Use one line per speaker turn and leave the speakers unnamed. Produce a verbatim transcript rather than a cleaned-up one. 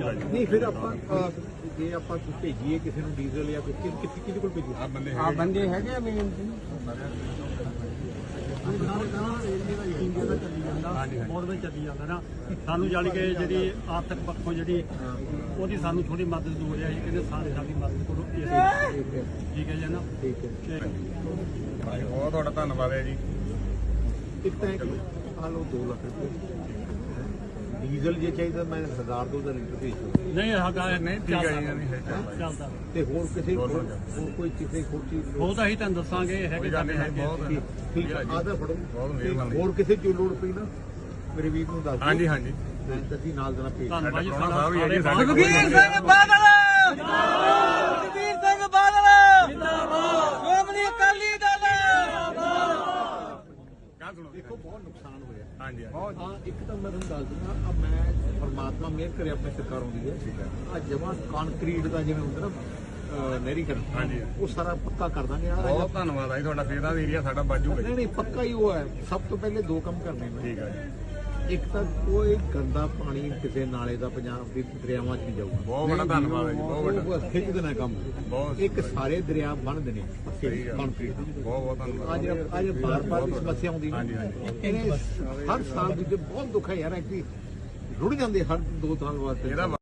ਹੋਊਗਾ ਜੀ।
ਨਹੀਂ ਫਿਰ ਆਪਾਂ ਅਹ, ਜੇ ਆਪਾਂ ਭੇਜੀਏ ਕਿਸੇ ਨੂੰ ਡੀਜ਼ਲ ਜਾਂ ਕੁਝ ਕਿਸ ਕਿਹਦੇ ਕੋਲ ਭੇਜੀਏ?
ਆ ਬੰਦੇ
ਆ ਬੰਦੇ ਹੈਗੇ ਆ ਮੇਨ
ਇੰਡੀਆ ਦਾ ਚੱਲੀ ਜਾਂਦਾ ਬਹੁਤ ਵਿੱਚ ਚੱਲੀ ਜਾਂਦਾ ਨਾ। ਸਾਨੂੰ ਜਾਣੀ ਕਿ ਜਿਹੜੀ ਆਰਥਿਕ ਪੱਖੋਂ ਜਿਹੜੀ ਉਹਦੀ ਸਾਨੂੰ ਥੋੜੀ ਮਦਦ ਦੀ ਲੋੜ ਹੈ। ਅਸੀਂ ਕਹਿੰਦੇ ਸਾਰੇ ਸਾਡੀ ਮਦਦ ਕਰੋ। ਠੀਕ ਹੈ ਜੀ ਨਾ।
ਠੀਕ ਹੈ।
ਭਾਈ ਬਹੁਤ ਤੁਹਾਡਾ ਧੰਨਵਾਦ ਹੈ ਜੀ।
ਇੱਕ ਤਾਂ ਆ ਲਓ ਦੋ ਲੱਖ ਰੁਪਏ ਡੀਜ਼ਲ ਜੇ ਚਾਹੀਦਾ ਮੈਂ ਹਜ਼ਾਰ ਦੋ ਹਜ਼ਾਰ ਲੀਟਰ ਭੇਜ ਦੂੰ।
ਨਹੀਂ ਹੈਗਾ
ਨਹੀਂ ਠੀਕ ਹੈ ਜੀ, ਨਹੀਂ ਹੈ
ਚੱਲਦਾ।
ਤੇ ਹੋਰ ਕਿਸੇ ਹੋਰ ਕੋਈ ਕਿਸੇ ਹੋਰ ਚੀਜ਼
ਉਹ ਤਾਂ ਅਸੀਂ ਤੁਹਾਨੂੰ ਦੱਸਾਂਗੇ ਹੈਗੇ ਸਾਡੇ ਹੈਗੇ।
ਠੀਕ ਹੈ ਆਦਾ ਫੜੋ।
ਬਹੁਤ ਮਿਹਰਬਾਨੀ।
ਹੋਰ ਕਿਸੇ ਚੀਜ਼ ਲੋੜ ਪਈ ਨਾ ਮੇਰੇ ਵੀਰ ਨੂੰ ਦੱਸ ਦਿਓ।
ਹਾਂਜੀ ਹਾਂਜੀ
ਅਸੀਂ ਨਾਲ ਦੇਣਾ ਭੇਜ
ਧੰਨਵਾਦ ਜੀ।
ਪ੍ਰਾਹੁਣਾ ਸਾਹਿਬ ਵੀ ਹੈਗੇ ਸਾਡੇ ਕੋਲ।
ਸੁਖਬੀਰ ਸਿੰਘ ਬਾਦਲ ਸੁਖਬੀਰ ਸਿੰਘ ਬਾਦਲ ਜਿੰਦਾਬਾਦ ਸ਼੍ਰੋਮਣੀ ਅਕਾਲੀ ਦਲ
ਗੱਲ ਸੁਣੋ
ਦੇਖੋ ਬਹੁਤ ਨੁਕਸਾਨ ਹੋਇਆ।
ਹਾਂਜੀ
ਹਾਂ ਇੱਕ ਤਾਂ ਮੈਂ ਤੁਹਾਨੂੰ ਦੱਸ ਦਿੰਦਾ ਆ ਮੈਂ ਪਰਮਾਤਮਾ ਮਿਹਰ ਕਰੇ ਆਪਣੇ ਸਰਕਾਰ ਆਉਂਦੀ ਹੈ ਆ ਜਮਾਂ ਕੰਕਰੀਟ ਦਾ ਜਿਵੇਂ ਹੁੰਦਾ ਨਾ ਨਹਿਰੀਕਰਨ
ਹਾਂਜੀ
ਉਹ ਸਾਰਾ ਪੱਕਾ ਕਰ ਦਾਂਗੇ। ਆ
ਬਹੁਤ ਧੰਨਵਾਦ ਹੈ ਜੀ ਤੁਹਾਡਾ। ਫੇਰ ਦਾ ਏਰੀਆ ਸਾਡਾ ਬਾਜੂਗਾ
ਨਹੀਂ ਨਹੀਂ ਪੱਕਾ ਹੀ ਉਹ ਹੈ। ਸਭ ਤੋਂ ਪਹਿਲੇ ਦੋ ਕੰਮ ਕਰਨੇ ਨੇ।
ਠੀਕ ਹੈ ਜੀ।
ਇੱਕ ਤਾਂ ਕੋਈ ਗੰਦਾ ਪਾਣੀ ਕਿਸੇ ਨਾਲੇ ਦਾ ਪੰਜਾਬ ਦੇ ਦਰਿਆਵਾਂ 'ਚ ਨਹੀਂ ਜਾਊਗਾ।
ਬਹੁਤ ਬੜਾ ਧੰਨਵਾਦ ਹੈ ਜੀ। ਬਹੁਤ ਵੱਡਾ
ਉਹ ਖਿੱਚ ਦੇਣਾ ਕੰਮ।
ਬਹੁਤ
ਇੱਕ ਸਾਰੇ ਦਰਿਆ ਬੰਨ ਦੇਣੇ ਪੱਕੇ
ਸਹੀ ਗੱਲ।
ਕੰਕਰੀਟ।
ਬਹੁਤ ਬਹੁਤ ਧੰਨਵਾਦ।
ਅੱਜ ਅੱਜ ਬਾਰ ਬਾਰ ਦੀ ਸਮੱਸਿਆ ਆਉਂਦੀ
ਹਾਂਜੀ, ਹਾਂਜੀ।
ਇਹਨੇ ਹਰ ਸਾਲ ਦੀ ਬਹੁਤ ਦੁੱਖ ਹੈ ਯਾਰ ਕਿ ਰੁੜ ਜਾਂਦੇ ਹਰ ਦੋ ਸਾਲ ਵਾਸਤੇ।
ਇਹਦਾ